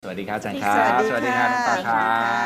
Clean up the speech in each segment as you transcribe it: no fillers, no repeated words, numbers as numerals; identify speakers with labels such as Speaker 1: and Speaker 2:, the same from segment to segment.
Speaker 1: สวัสดีครับอาจารย์ครับ
Speaker 2: สวัสดีค่ะ
Speaker 1: น้องปลาครับ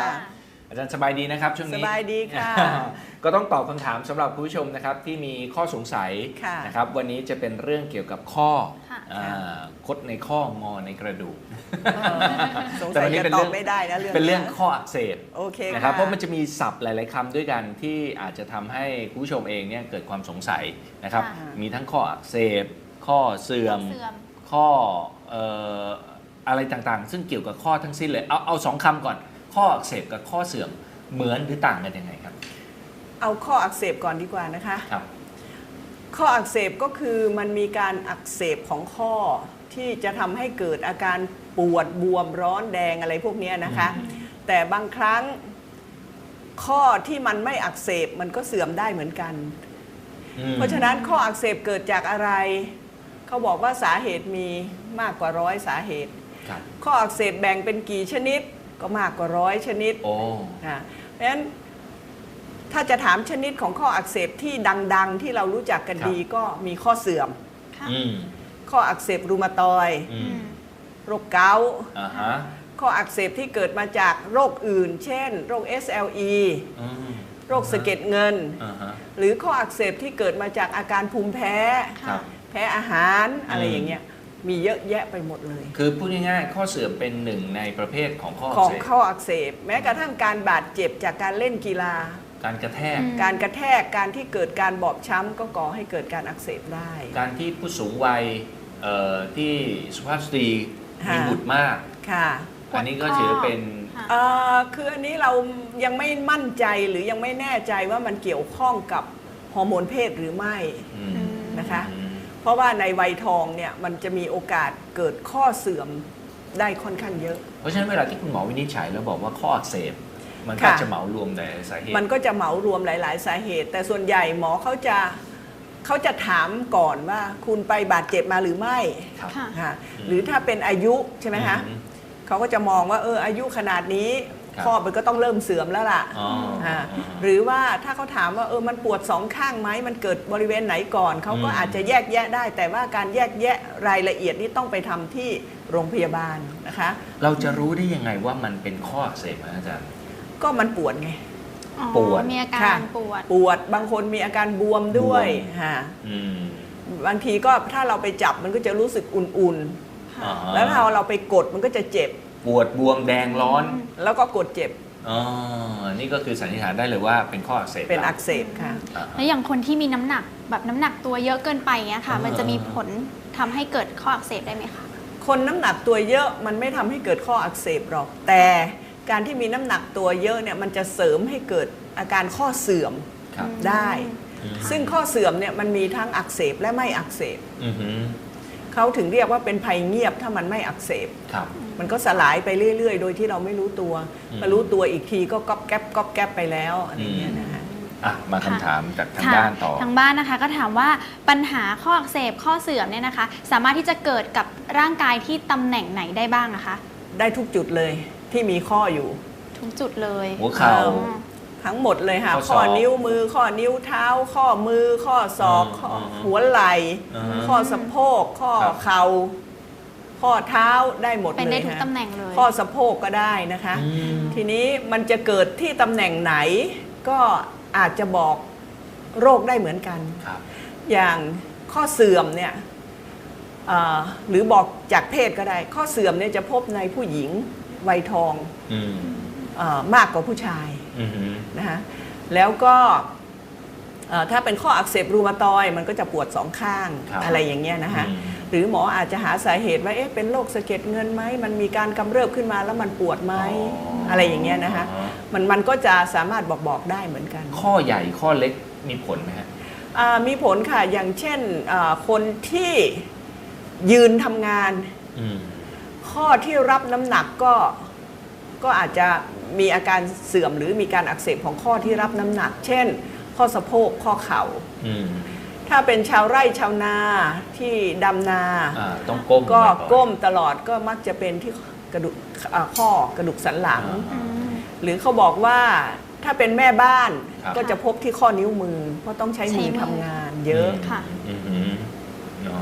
Speaker 2: ค่ะ
Speaker 1: อาจารย์สบายดีนะครับช่วงนี้
Speaker 2: สบายดีค่ะ
Speaker 1: ก็ต้องตอบคำถามสำหรับผู้ชมนะครับที่มีข้อสงสัย
Speaker 2: ค่ะ
Speaker 1: นะครับวันนี้จะเป็นเรื่องเกี่ยวกับข้อ
Speaker 3: ค่ะ
Speaker 1: คดในข้องอในกระดูก
Speaker 2: สง
Speaker 1: แต่
Speaker 2: สั
Speaker 1: วั
Speaker 2: ย
Speaker 1: นนี้
Speaker 2: จะ
Speaker 1: เป็น
Speaker 2: ต
Speaker 1: เรื่
Speaker 2: อ
Speaker 1: อบ ง
Speaker 2: ไม่ได้นะเรื่อง
Speaker 1: เป็นเรื่องข้ออักเสบ
Speaker 2: โอเค
Speaker 1: นะครับเพราะมัน
Speaker 2: ค่
Speaker 1: จะมีศัพท์หลาย ๆคำด้วยกันที่อาจจะทำให้คุณผู้ชมเองเนี่ยเกิดความสงสัยนะครับ
Speaker 3: ค่ะ
Speaker 1: มีทั้งข้ออักเสบข้อเสื่อม
Speaker 3: เสื่อม
Speaker 1: ข้ออะไรต่างๆ ซึ่งเกี่ยวกับข้อทั้งสิ้นเลยเอาสองคำก่อนข้ออักเสบกับข้อเสื่อมเหมือนหรือต่างกันยังไงครับ
Speaker 2: เอาข้ออักเสบก่อนดีกว่านะคะ
Speaker 1: ครับ
Speaker 2: ข้ออักเสบก็คือมันมีการอักเสบของข้อที่จะทำให้เกิดอาการปวดบวมร้อนแดงอะไรพวกนี้นะคะ แต่บางครั้งข้อที่มันไม่อักเสบมันก็เสื่อมได้เหมือนกัน เพราะฉะนั้นข้ออักเสบเกิดจากอะไรเขาบอกว่าสาเหตุมีมากกว่า100 สาเหตุ
Speaker 1: ครับ
Speaker 2: ข้ออักเสบแบ่งเป็นกี่ชนิดก็มากกว่า100 ชนิด
Speaker 1: โอ้
Speaker 2: เพราะฉะนั้นถ้าจะถามชนิดของข้ออักเสบที่ดังๆ ที่เรารู้จักกันดีก็มีข้อเสื่อม
Speaker 3: ค่ะ
Speaker 1: อืม
Speaker 2: ข้ออักเสบรูมาตอยด์
Speaker 1: อืม
Speaker 2: โรคเกาต์
Speaker 1: อ่าฮะ
Speaker 2: ข้ออักเสบที่เกิดมาจากโรคอื่น เช่น โรค SLE
Speaker 1: อืม
Speaker 2: โรคสะเก็ดเงิน
Speaker 1: อ่าฮะ
Speaker 2: หรือข้ออักเสบที่เกิดมาจากอาการภูมิแพ้
Speaker 1: ครับ
Speaker 2: แพ้อาหารอะไรอย่างเงี้ยมีเยอะแยะไปหมดเลย
Speaker 1: คือพูดง่ายๆข้อเสื่อมเป็นหนึ่งในประเภทของข้อ
Speaker 2: ของ
Speaker 1: อักเสบ
Speaker 2: ข้ออักเสบแม้กระทั่งการบาดเจ็บจากการเล่นกีฬา
Speaker 1: การกระแทก
Speaker 3: อืม
Speaker 2: การกระแทกการที่เกิดการบอบช้ำก็ก่อให้เกิดการอักเสบได้
Speaker 1: การที่ผู้สูงวัยที่สุภาพสตรีมี
Speaker 2: ค่ะ
Speaker 1: บุตรมาก
Speaker 2: ค่ะ
Speaker 1: อันนี้ก็ถือเป็น
Speaker 3: ค่ะ
Speaker 2: คืออันนี้เรายังไม่มั่นใจหรือยังไม่แน่ใจว่ามันเกี่ยวข้องกับฮอร์โมนเพศหรือไม่
Speaker 1: อืม
Speaker 2: นะคะ
Speaker 1: อืม
Speaker 2: เพราะว่าในวัยทองเนี่ยมันจะมีโอกาสเกิดข้อเสื่อมได้ค่อนข้างเยอะ
Speaker 1: เพราะฉะนั้นเวลาที่คุณหมอวินิจฉัยแล้วบอกว่าข้ออักเสบมันก็
Speaker 2: ค่ะ
Speaker 1: จะเหมารวมแต่สาเหตุ
Speaker 2: มันก็จะเหมารวมหลาย ๆ สาเหตุ แต่ส่วนใหญ่หมอเขาจะถามก่อนว่าคุณไปบาดเจ็บมาหรือไม่
Speaker 1: ครับ
Speaker 3: ค่ะ
Speaker 2: ค่ะหรือถ้าเป็นอายุใช่ไหมคะ
Speaker 1: อืม
Speaker 2: เขาก็จะมองว่าอายุขนาดนี้
Speaker 1: ครับ
Speaker 2: ข้อมันก็ต้องเริ่มเสื่อมแล้วล่ะ
Speaker 1: อ๋ออ่า
Speaker 2: หรือว่าถ้าเขาถามว่ามันปวดสองข้างไหมมันเกิดบริเวณไหนก่อนเขาก็อาจจะแยกแยะได้ แต่ว่าการแยกแยะรายละเอียดนี่ต้องไปทำที่โรงพยาบาลนะคะ
Speaker 1: เราจะรู้ได้ยังไงว่ามันเป็นข้ออักเสบนะอาจารย์
Speaker 2: ก็มันปวดไง
Speaker 3: อ๋อ
Speaker 1: ปวด
Speaker 3: มีอาการ
Speaker 2: ค่ะ
Speaker 3: ปวด
Speaker 2: ปวดบางคนมีอาการบวมด้วย
Speaker 1: บวม
Speaker 2: ค่ะ
Speaker 1: อืม
Speaker 2: บางทีก็ถ้าเราไปจับมันก็จะรู้สึกอุ่น
Speaker 1: อ่า
Speaker 2: ๆ
Speaker 1: ฮะ
Speaker 2: แล้วถ้าเราไปกดมันก็จะเจ็บ
Speaker 1: ปวดบวมแดงร้อน
Speaker 2: แล้วก็กดเจ็บ
Speaker 1: อ๋อนี่ก็คือสันนิษฐานได้เลยว่าเป็นข้ออักเสบ
Speaker 2: เป็นอักเสบค่ะ
Speaker 1: อ่า
Speaker 3: แล้วอย่างคนที่มีน้ำหนักแบบน้ำหนักตัวเยอะเกินไปเงี้ยค่ะ มันจะมีผลทำให้เกิดข้ออักเสบได้ไหมคะ
Speaker 2: คนน้ำหนักตัวเยอะมันไม่ทำให้เกิดข้ออักเสบหรอก แต่การที่มีน้ำหนักตัวเยอะเนี่ยมันจะเสริมให้เกิดอาการข้อเสื่อม
Speaker 1: ครับ
Speaker 2: ได้
Speaker 1: อืม
Speaker 2: ซึ่งข้อเสื่อมเนี่ยมันมีทั้งอักเสบและไม่อักเสบ
Speaker 1: อือหือ
Speaker 2: เขาถึงเรียกว่าเป็นภัยเงียบถ้ามันไม่อักเสบ
Speaker 1: ครับ
Speaker 2: มันก็สลายไปเรื่อยๆ โดยที่เราไม่รู้ตัว
Speaker 1: อืม
Speaker 2: มารู้ตัวอีกทีก็ก๊อบแก๊บไปแล้วอะไรอย่างเงี้ยนะคะ
Speaker 1: อ่ะมาคำถามจากทาง
Speaker 3: ค่ะ
Speaker 1: บ้านต่อ
Speaker 3: ทางบ้านนะคะก็ถามว่าปัญหาข้ออักเสบข้อเสื่อมเนี่ยนะคะ สามารถที่จะเกิดกับร่างกายที่ตำแหน่งไหนได้บ้างนะคะ
Speaker 2: ได้ทุกจุดเลยที่มีข้ออยู่
Speaker 3: ทุกจุดเลย
Speaker 1: หัวเข่า
Speaker 3: อ๋อ
Speaker 2: ทั้งหมดเลยค่ะ
Speaker 1: ข้อศอก
Speaker 2: ข้อนิ้วมือ ข้อนิ้วเท้า ข้อมือ ข้อศอก ข้อหัวไหล่
Speaker 1: อ่าฮะ
Speaker 2: ข้อสะโพก ข้อ
Speaker 1: ครับ
Speaker 2: เข่า ข้อเท้าได้หมด
Speaker 3: เป็น
Speaker 2: เล
Speaker 3: ได้
Speaker 2: ย
Speaker 3: ทุก
Speaker 2: ค่ะ
Speaker 3: ตำแหน่งเลย
Speaker 2: ข้อสะโพกก็ได้นะคะ
Speaker 1: อืม
Speaker 2: ทีนี้มันจะเกิดที่ตำแหน่งไหน ก็อาจจะบอกโรคได้เหมือนกัน
Speaker 1: ครับ
Speaker 2: อย่างข้อเสื่อมเนี่ยหรือบอกจากเพศก็ได้ ข้อเสื่อมเนี่ยจะพบในผู้หญิงวัยทอง
Speaker 1: อืม
Speaker 2: มากกว่าผู้ชาย
Speaker 1: อือหือ
Speaker 2: นะคะแล้วก็ถ้าเป็นข้ออักเสบรูมาตอยด์มันก็จะปวดสองข้าง
Speaker 1: ครับ
Speaker 2: อะไรอย่างเงี้ยนะคะ
Speaker 1: อืม
Speaker 2: หรือหมออาจจะหาสาเหตุว่าเป็นโรคสะเก็ดเงินไหมมันมีการกำเริบขึ้นมาแล้วมันปวดไหมอะไรอย่างเงี้ยนะคะ
Speaker 1: อ๋อ
Speaker 2: มันก็จะสามารถบอกได้เหมือนกัน
Speaker 1: ข้อใหญ่ข้อเล็กมีผลไหมฮะ
Speaker 2: มีผลค่ะอย่างเช่นคนที่ยืนทำงาน
Speaker 1: อืม
Speaker 2: ข้อที่รับน้ำหนักก็อาจจะมีอาการเสื่อมหรือมีการอักเสบของข้อที่รับน้ำหนัก เช่น ข้อสะโพกข้อเข่า
Speaker 1: อืม
Speaker 2: ถ้าเป็นชาวไร่ชาวนาที่ดำนา
Speaker 1: ต้องก้ม
Speaker 2: ก็
Speaker 1: บ่อยๆ
Speaker 2: ก้มตลอดก็มักจะเป็นที่กระดูกข้อกระดูกสันหลัง
Speaker 3: อืม
Speaker 2: หรือเขาบอกว่าถ้าเป็นแม่บ้าน
Speaker 1: ครับ
Speaker 2: ก็จะพบที่ข้อนิ้วมือ เพราะต้องใช้มือ
Speaker 3: ใช้มือ
Speaker 2: ทำงานเยอะ
Speaker 3: ค่ะ
Speaker 1: อือหืออ๋อ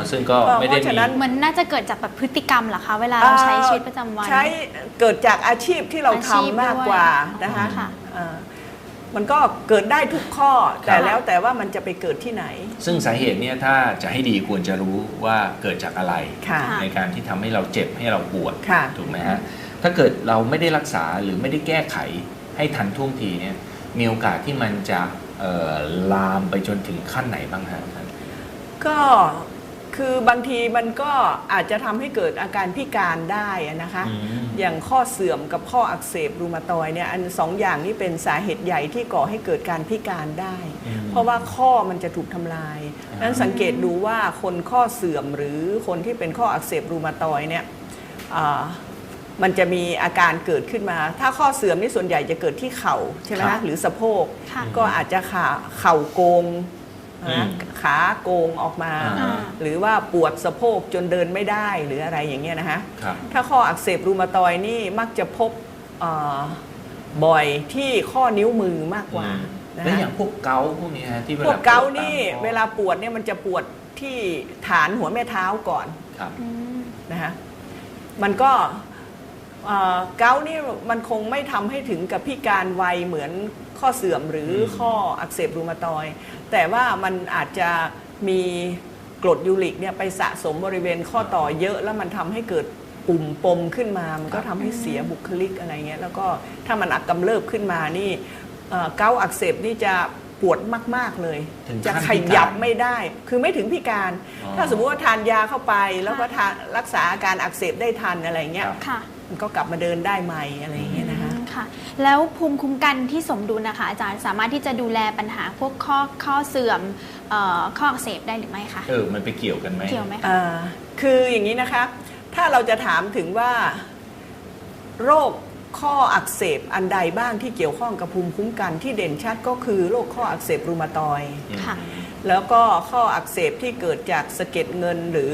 Speaker 1: ซึ่งก็ไม่ได้
Speaker 2: เพราะฉะนั้น
Speaker 3: เหมือนน่าจะเกิดจากแบบพฤติกรรมเหรอคะเวลาเราใช้ชีวิตประจำวัน
Speaker 2: ใช้เกิดจากอาชีพที่เรา
Speaker 3: อาชีพ
Speaker 2: ทำมากกว่า
Speaker 3: ด้วย
Speaker 2: นะคะ
Speaker 3: ค่ะ
Speaker 2: มันก็เกิดได้ทุกข้อแต่แล้วแต่ว่ามันจะไปเกิดที่ไหน
Speaker 1: ซึ่งสาเหตุเนี่ยถ้าจะให้ดีควรจะรู้ว่าเกิดจากอะไร
Speaker 2: ค่ะ
Speaker 1: ในการที่ทำให้เราเจ็บให้เราปวด
Speaker 2: ค่ะ
Speaker 1: ถูกไหมฮะถ้าเกิดเราไม่ได้รักษาหรือไม่ได้แก้ไขให้ทันท่วงทีเนี่ยมีโอกาสที่มันจะลามไปจนถึงขั้นไหนบ้างฮะท่าน
Speaker 2: ก็คือบางทีมันก็อาจจะทำให้เกิดอาการพิการได้นะคะ อย่างข้อเสื่อมกับข้ออักเสบรูมาตอยด์เนี่ยอันสองอย่างนี้เป็นสาเหตุใหญ่ที่ก่อให้เกิดการพิการได้ เพราะว่าข้อมันจะถูกทำลายนั้นสังเกตดูว่าคนข้อเสื่อมหรือคนที่เป็นข้ออักเสบรูมาตอยด์เนี่ยมันจะมีอาการเกิดขึ้นมา ถ้าข้อเสื่อมนี่ส่วนใหญ่จะเกิดที่เข่าใช่ไหม
Speaker 1: ครั
Speaker 2: คะ
Speaker 1: บ
Speaker 2: หรือสะโพก
Speaker 3: ค่ะ
Speaker 2: ก็อาจจะเข่าโกงนะขาโกงออกมา
Speaker 1: อ่า
Speaker 2: หรือว่าปวดสะโพกจนเดินไม่ได้หรืออะไรอย่างเงี้ยนะคะ
Speaker 1: ครับ
Speaker 2: ถ้าข้ออักเสบรูมาตอยด์นี่มักจะพบบ่อยที่ข้อนิ้วมือมากกว่านะ
Speaker 1: แล้ว
Speaker 2: คะ
Speaker 1: อย่างพวกเกาต์พวกนี้ฮะที่
Speaker 2: พวกเกาต์
Speaker 1: ปวดตม
Speaker 2: นี่
Speaker 1: ข้อ
Speaker 2: เวลาปวดเนี่ยมันจะปวดที่ฐานหัวแม่เท้าก่อน
Speaker 1: ครับ
Speaker 3: อืม
Speaker 2: นะคะมันก็เกาต์นี่มันคงไม่ทำให้ถึงกับพิการไวเหมือนข้อเสื่อมหรือข้ออักเสบรูมาตอยด์แต่ว่ามันอาจจะมีกรดยูริกเนี่ยไปสะสมบริเวณข้อต่อเยอะแล้วมันทำให้เกิดปุ่มปมขึ้นมามันก็ทำให้เสียบุคลิกอะไรเงี้ยแล้วก็ถ้ามันกำเริบขึ้นมานี่เกาต์อักเสบนี่จะปวดมากๆเลย
Speaker 1: ถึง
Speaker 2: จะ
Speaker 1: ขั้น
Speaker 2: ข
Speaker 1: พิการ
Speaker 2: ยับไม่ได้คือไม่ถึงพิการ
Speaker 1: อ๋อ
Speaker 2: ถ้าสมมุติว่าทานยาเข้าไปแล้วก็ทานรักษาอาการอักเสบได้ทันอะไรเงี้ย
Speaker 1: ครับ
Speaker 3: ค่ะ
Speaker 2: มันก็กลับมาเดินได้ใหม่อะไรอย่างเงี้ยนะคะ
Speaker 3: ค่ะ แล้วภูมิคุ้มกันที่สมดุลนะคะ อาจารย์สามารถที่จะดูแลปัญหาพวกข้อเสื่อมข้ออักเสบได้หรือไม่คะ
Speaker 1: มันไปเกี่ยวกันไหม
Speaker 3: เกี่ยวไหมคะ
Speaker 2: คืออย่างนี้นะคะ ถ้าเราจะถามถึงว่าโรคข้ออักเสบอันใดบ้างที่เกี่ยวข้องกับภูมิคุ้มกันที่เด่นชัดก็คือโรคข้ออักเสบรูมาตอยด์
Speaker 3: ค่ะ
Speaker 2: แล้วก็ข้ออักเสบที่เกิดจากสะเก็ดเงินหรือ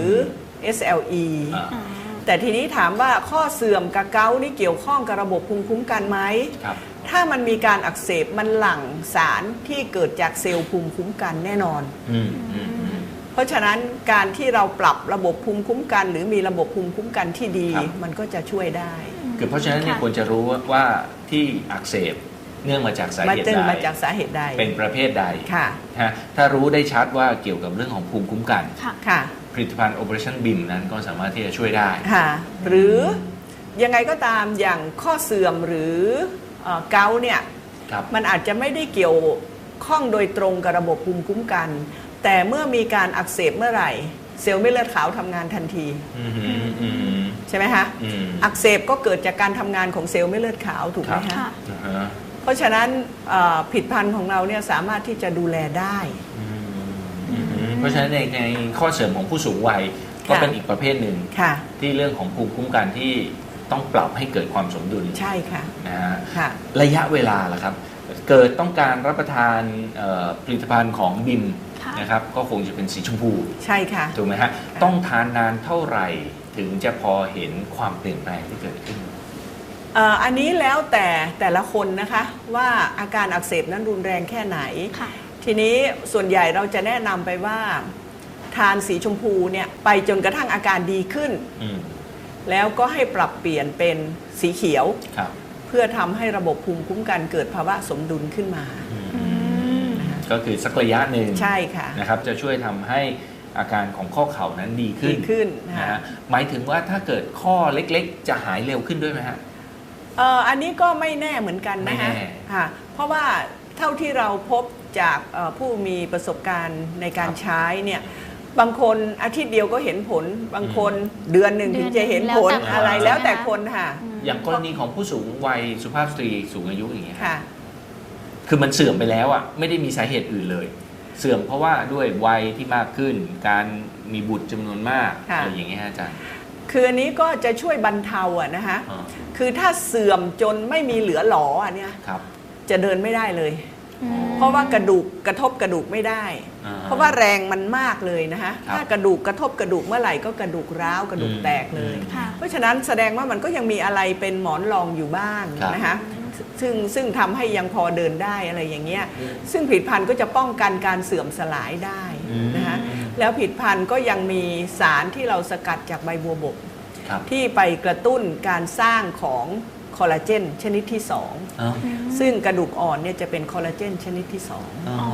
Speaker 2: SLE
Speaker 1: อ่า
Speaker 3: อ๋อ
Speaker 2: แต่ทีนี้ถามว่าข้อเสื่อมกับเกาต์นี่เกี่ยวข้องกับระบบภูมิคุ้มกันไหม
Speaker 1: ครับ
Speaker 2: ถ้ามันมีการอักเสบมันหลั่งสารที่เกิดจากเซลล์ภูมิคุ้มกันแน่นอน
Speaker 1: อืมอืมอืม
Speaker 2: เพราะฉะนั้นการที่เราปรับระบบภูมิคุ้มกัน หรือมีระบบภูมิคุ้มกันที่ดี
Speaker 1: ครับ
Speaker 2: มันก็จะช่วยได้
Speaker 1: คือเพราะฉะนั้นเนี่ย
Speaker 3: ค่ะ
Speaker 1: ควรจะรู้ว่าที่อักเสบเนื่องมาจากสา
Speaker 2: มา
Speaker 1: เหตุ
Speaker 2: จึง
Speaker 1: ใด
Speaker 2: มาจากสาเหตุใด
Speaker 1: เป็นประเภทใด
Speaker 2: ค่ะ
Speaker 1: ฮะถ้ารู้ได้ชัดว่าเกี่ยวกับเรื่องของภูมิคุ้มกัน
Speaker 3: ค่ะ
Speaker 2: ค่ะ
Speaker 1: ผลิตภัณฑ์ Operation BIM นั้นก็สามารถที่จะช่วยได้
Speaker 2: ค่ะ หรือยังไงก็ตามอย่างข้อเสื่อมหรือเกาต์เนี่ย
Speaker 1: ครับ
Speaker 2: มันอาจจะไม่ได้เกี่ยวข้องโดยตรงกับระบบภูมิคุ้มกัน แต่เมื่อมีการอักเสบเมื่อไหร่ เซลล์เม็ดเลือดขาวทำงานทันที
Speaker 1: อืมอืมอืม
Speaker 2: ใช่ไหมคะ
Speaker 1: อืม
Speaker 2: อักเสบก็เกิดจากการทำงานของเซลล์เม็ดเลือดขาวถูกไหม
Speaker 1: ครั
Speaker 2: คะ
Speaker 1: บ
Speaker 3: ค่ะ
Speaker 1: อ่าฮะ
Speaker 2: เพราะฉะนั้นผลิตภัณฑ์ของเราเนี่ยสามารถที่จะดูแลได้
Speaker 1: อืมอืมเพราะฉะนั้นในข้อเสริมของผู้สูงวัยก็
Speaker 2: ค่ะ
Speaker 1: เป็นอีกประเภทหนึ่ง
Speaker 2: ค่ะ
Speaker 1: ที่เรื่องของภูมิคุ้มกันที่ต้องปรับให้เกิดความสมดุล
Speaker 2: ใช่ค่ะ
Speaker 1: นะฮะ
Speaker 2: ค่ะ
Speaker 1: ระยะเวลาล่ะครับ เกิดต้องการรับประทานผลิตภัณฑ์ของบิม
Speaker 3: ค่ะ
Speaker 1: นะครับก็คงจะเป็นสีชมพู
Speaker 2: ใช่ค่ะ
Speaker 1: ถูกไหมฮะต้องทานนานเท่าไหร่ถึงจะพอเห็นความเปลี่ยนแปลงที่เกิดขึ้น
Speaker 2: อันนี้แล้วแต่ละคนนะคะว่าอาการอักเสบนั้นรุนแรงแค่ไหน
Speaker 3: ค่ะ
Speaker 2: ทีนี้ส่วนใหญ่เราจะแนะนำไปว่าทานสีชมพูเนี่ยไปจนกระทั่งอาการดีขึ้น
Speaker 1: อืม
Speaker 2: แล้วก็ให้ปรับเปลี่ยนเป็นสีเขียว
Speaker 1: ครับ
Speaker 2: เพื่อทำให้ระบบภูมิคุ้มกันเกิดภาวะสมดุลขึ้นมา
Speaker 3: อืม
Speaker 1: ก็คือสักระยะหนึ่ง
Speaker 2: ใช่ค่ะ
Speaker 1: นะครับจะช่วยทำให้อาการของข้อเข่านั้นดีขึ้น
Speaker 2: ดีขึ้น
Speaker 1: นะ
Speaker 2: ค่ะ
Speaker 1: ฮะหมายถึงว่าถ้าเกิดข้อเล็กๆ จะหายเร็วขึ้นด้วยไหมฮะ
Speaker 2: อันนี้ก็ไม่แน่เหมือนกันนะคะ
Speaker 1: ไม่แน่
Speaker 2: ค่ะเพราะว่าเท่าที่เราพบจากผู้มีประสบการณ์ในการ
Speaker 1: ครับ
Speaker 2: ใช้เนี่ยบางคนอาทิตย์เดียวก็เห็นผล บางคนเดือนหนึ่งถึงจะเห็นผล
Speaker 3: แล้วแต่
Speaker 2: อะไร
Speaker 3: คน
Speaker 2: แล้วแต่
Speaker 3: ใช่ไหมคะ
Speaker 2: คนค่ะ
Speaker 1: อย่างกรณีของผู้สูงวัยสุภาพสตรีสูงอายุอย่างเงี้ย
Speaker 2: ค่ะ
Speaker 1: คือมันเสื่อมไปแล้วอ่ะไม่ได้มีสาเหตุอื่นเลย เสื่อมเพราะว่าด้วยวัยที่มากขึ้น การมีบุตรจำนวนมาก
Speaker 2: ค่ะ
Speaker 1: อะไรอย่างเงี้ยฮะอาจารย์
Speaker 2: คืออันนี้ก็จะช่วยบรรเทาอะนะคะ
Speaker 1: อ่า
Speaker 2: คือถ้าเสื่อมจนไม่มีเหลือหลออันเนี้ย
Speaker 1: ครับ
Speaker 2: จะเดินไม่ได้เลย
Speaker 3: อืม
Speaker 2: เพราะว่ากระดูกกระทบกระดูกไม่ได้
Speaker 1: อ่
Speaker 2: เพราะว่าแรงมันมากเลยนะคะ
Speaker 1: ครับ
Speaker 2: ถ้ากระดูกกระทบกระดูกเมื่อไหร่ก็กระดูกร้าวกระดูกแตกเลย
Speaker 3: ค่ะ
Speaker 2: เพราะฉะนั้นแสดงว่ามันก็ยังมีอะไรเป็นหมอนรองอยู่บ้าง
Speaker 1: ครับ
Speaker 2: นะคะซึ่งทำให้ยังพอเดินได้อะไรอย่างเงี้ยซึ่งผลิตภัณฑ์ก็จะป้องกันการเสื่อมสลายได้นะคะแล้วผลิตภัณฑ์ก็ยังมีสารที่เราสกัดจากใบบัวบก
Speaker 1: ครับ
Speaker 2: ที่ไปกระตุ้นการสร้างของคอลลาเจนชนิดที่
Speaker 1: อ๋อ
Speaker 2: 2 ซึ่งกระดูกอ่อนเนี่ยจะเป็นคอลลาเจนชนิดที่
Speaker 1: อ๋อ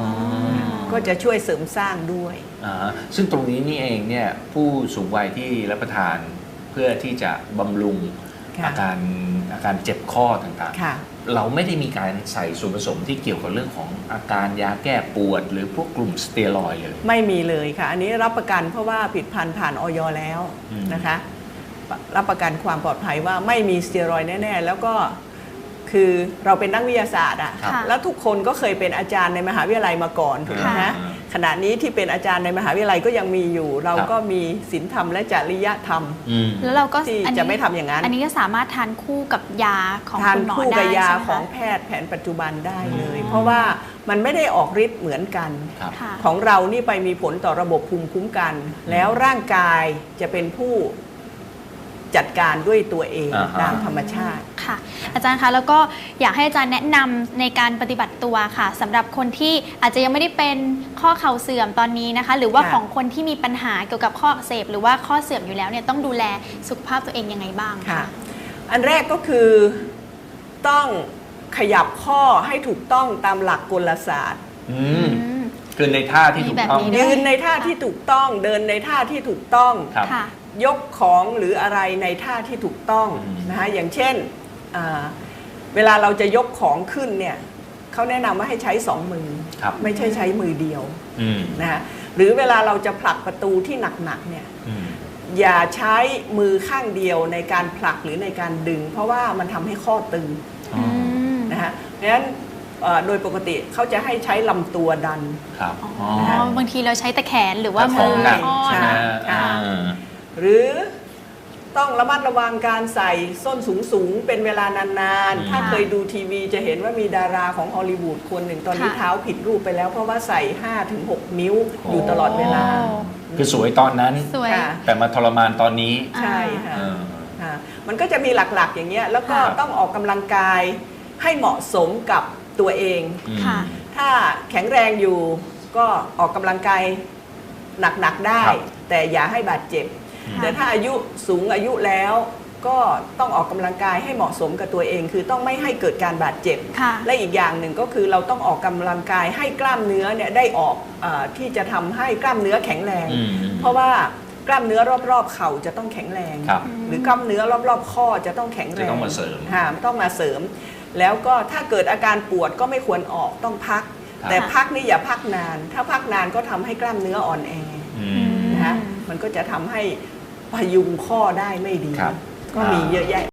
Speaker 2: 2 ก็จะช่วยเสริมสร้างด้วย
Speaker 1: ซึ่งตรงนี้นี่เองเนี่ยผู้สูงวัยที่รับประทานเพื่อที่จะบำรุง
Speaker 2: ค่ะ
Speaker 1: อาการเจ็บข้อต่าง
Speaker 2: ค่ะ
Speaker 1: ๆ เราไม่ได้มีการใส่ส่วนผสมที่เกี่ยวกับเรื่องของอาการยาแก้ปวด หรือพวกกลุ่มสเตียรอยด์เลย
Speaker 2: ไม่มีเลยค่ะ อันนี้รับประกันเพราะว่าผลิตภัณฑ์ผ่านออยแล้ว
Speaker 1: อืม
Speaker 2: นะคะ รับประกันความปลอดภัยว่าไม่มีสเตียรอยด์แน่ๆแล้วก็คือเราเป็นนักวิทยาศาสตร์อะ
Speaker 3: ค่ะ
Speaker 2: แล้วทุกคนก็เคยเป็นอาจารย์ในมหาวิทยาลัยมาก่อนถูกไหม
Speaker 3: ค่ะ
Speaker 2: ฮะขณะนี้ที่เป็นอาจารย์ในมหาวิทยาลัยก็ยังมีอยู่ เราก็มีศีลธรรมและจริยธรรม
Speaker 1: อืม
Speaker 3: แล้วเราก็
Speaker 2: ที่
Speaker 3: อันนี้
Speaker 2: จะไม่ทำอย่างนั้น
Speaker 3: อันนี้ก็สามารถทานคู่กับยาของ
Speaker 2: ทาน
Speaker 3: คุณหมอ
Speaker 2: คู่
Speaker 3: ได้
Speaker 2: กับยา
Speaker 3: ใช่ไหม
Speaker 2: ของ
Speaker 3: คะ
Speaker 2: แพทย์แผนปัจจุบันได้เลย
Speaker 1: อืม
Speaker 2: เพราะว่ามันไม่ได้ออกฤทธิ์เหมือนกัน
Speaker 1: ครับ
Speaker 3: ค่ะ
Speaker 2: ของเรานี่ไปมีผลต่อระบบภูมิคุ้มกัน แล้วร่างกายจะเป็นผู้จัดการด้วยตัวเอง
Speaker 1: อ่าฮะ
Speaker 2: ตามธรรมชาติ
Speaker 3: ค่ะ อาจารย์คะแล้วก็อยากให้อาจารย์แนะนำในการปฏิบัติตัวค่ะสำหรับคนที่อาจจะยังไม่ได้เป็นข้อเข่าเสื่อมตอนนี้นะคะ หรือว่า
Speaker 2: ค่ะ
Speaker 3: ของคนที่มีปัญหาเกี่ยวกับข้ออักเสบหรือว่าข้อเสื่อมอยู่แล้วเนี่ยต้องดูแลสุขภาพตัวเองยังไงบ้าง
Speaker 2: ค่ะ
Speaker 3: คะ
Speaker 2: อันแรกก็คือต้องขยับข้อให้ถูกต้องตามหลักกลศาสตร์
Speaker 1: อืม
Speaker 3: อืม
Speaker 1: คือในท่าที่ถูกต้อง
Speaker 3: มีแบบนี้ด้ว
Speaker 2: ยืนในท่าที่ถูกต้อง เดินในท่าที่ถูกต้อง
Speaker 1: ครับ
Speaker 3: ค่ะ
Speaker 2: ยกของหรืออะไรในท่าที่ถูกต้อง
Speaker 1: อืม
Speaker 2: นะคะอย่างเช่นเวลาเราจะยกของขึ้นเนี่ยเขาแนะนำว่าให้ใช้สองมือ
Speaker 1: ครับ
Speaker 2: ไม่ใช่ใช้มือเดียว
Speaker 1: อืม
Speaker 2: นะคะหรือเวลาเราจะผลักประตูที่หนักๆเนี่ย
Speaker 1: อืม
Speaker 2: อย่าใช้มือข้างเดียวในการผลักหรือในการดึง เพราะว่ามันทำให้ข้อตึง
Speaker 1: อ๋อ
Speaker 2: นะคะเพราะฉะนั้นโดยปกติเขาจะให้ใช้ลำตัวดัน
Speaker 1: ครับ
Speaker 3: อ๋อ
Speaker 1: อ๋อ
Speaker 3: บางทีเราใช้แต่แขนหรือว่า
Speaker 1: แต่ข
Speaker 3: มื
Speaker 1: อง
Speaker 3: อ
Speaker 1: หนัก
Speaker 3: ข้อ
Speaker 1: ใช่ไหม
Speaker 2: ค่ะ
Speaker 1: อ่า
Speaker 2: หรือต้องระมัดระวังการใส่ส้นสูงๆเป็นเวลานานๆ ถ้าเคยดูทีวีจะเห็นว่ามีดาราของฮอลลีวูดคนหนึ่งตอนนี้เท้าผิดรูปไปแล้วเพราะว่าใส่ 5-6 นิ้วอยู่ตลอดเวลา
Speaker 1: คือสวยตอนนั้น
Speaker 3: สวย
Speaker 2: ค่ะ
Speaker 1: แต่มาทรมานตอนนี้
Speaker 2: ใช่ค่ะ
Speaker 1: เออ
Speaker 2: ค่ะมันก็จะมีหลักๆอย่างเงี้ยแล้วก็
Speaker 1: ครับ
Speaker 2: ต้องออกกำลังกายให้เหมาะสมกับตัวเอง
Speaker 1: อืม
Speaker 3: ค่ะ
Speaker 2: ถ้าแข็งแรงอยู่ก็ออกกำลังกายหนักๆได้
Speaker 1: ครับ
Speaker 2: แต่อย่าให้บาดเจ็บ
Speaker 3: ค่ะ
Speaker 2: แต่ถ้าอายุสูงอายุแล้วก็ต้องออกกำลังกายให้เหมาะสมกับตัวเอง คือต้องไม่ให้เกิดการบาดเจ็บ
Speaker 3: ค่ะ
Speaker 2: และอีกอย่างหนึ่งก็คือเราต้องออกกำลังกายให้กล้ามเนื้อเนี่ยได้ออกที่จะทำให้กล้ามเนื้อแข็งแรง
Speaker 1: อืม
Speaker 2: เพราะว่ากล้ามเนื้อรอบๆเข่าจะต้องแข็งแรง
Speaker 1: ครับ
Speaker 2: หรือกล้ามเนื้อรอบๆข้อจะต้องแข็งแรง
Speaker 1: จะต้องมาเสริม
Speaker 2: ค่ะต้องมาเสริม แล้วก็ถ้าเกิดอาการปวดก็ไม่ควรออกต้องพัก
Speaker 1: ครับ
Speaker 2: แต่พักนี่อย่าพักนาน ถ้าพักนานก็ทำให้กล้ามเนื้ออ่อนแอ
Speaker 1: อืม
Speaker 2: นะคะมันก็จะทำให้พยุงข้อได้ไม่ดี
Speaker 1: ครับ
Speaker 2: ก็มีเยอะแยะ